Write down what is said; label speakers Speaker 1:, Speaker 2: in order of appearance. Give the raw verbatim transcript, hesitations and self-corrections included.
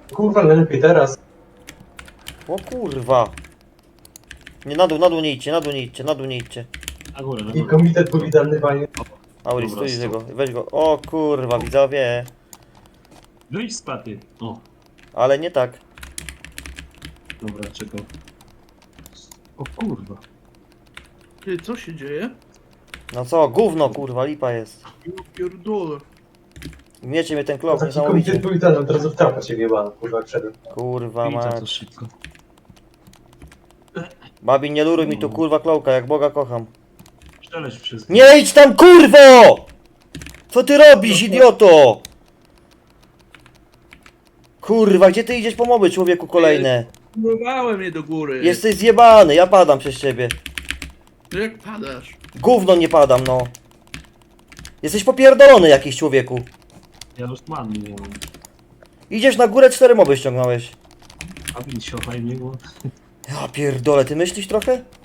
Speaker 1: Kurwa, najlepiej teraz.
Speaker 2: O kurwa. Nie, na dół, na dół nie idźcie, na dół nie idźcie, na dół nie idźcie.
Speaker 3: Na górę, na
Speaker 1: I
Speaker 3: górę.
Speaker 1: komitet powitalny, panie.
Speaker 2: Auri,
Speaker 3: Dobra,
Speaker 2: stój z
Speaker 3: stop.
Speaker 2: tego, weź go. O kurwa, widzowie.
Speaker 3: Wyjdź z paty. O,
Speaker 2: Ale nie tak.
Speaker 3: dobra, czekaj. O kurwa.
Speaker 4: Ty, co się dzieje?
Speaker 2: No co, gówno kurwa, lipa jest.
Speaker 4: Ja pierdolę.
Speaker 2: Gniecie mnie ten klop,
Speaker 1: Taki komitet
Speaker 2: niesamowicie.
Speaker 1: powitalny, od razu w trapa się wjebano, kurwa, jak wszedłem.
Speaker 2: Kurwa
Speaker 3: Idź za to
Speaker 2: mać.
Speaker 3: szybko.
Speaker 2: Babi, nie luruj mi tu kurwa klołka, jak Boga kocham.
Speaker 3: Przeleć wszystko.
Speaker 2: Nie idź tam kurwo! Co ty robisz, idioto? Kurwa, gdzie ty idziesz po moby, człowieku, kolejne?
Speaker 4: Próbowałem je do góry.
Speaker 2: Jesteś zjebany, ja padam przez ciebie.
Speaker 4: No jak padasz?
Speaker 2: Gówno nie padam, no. Jesteś popierdolony jakiś, człowieku.
Speaker 3: Ja już mam, nie mam.
Speaker 2: Idziesz na górę, cztery moby ściągnąłeś.
Speaker 3: A więc się fajnie było.
Speaker 2: Ja pierdolę, ty myślisz trochę?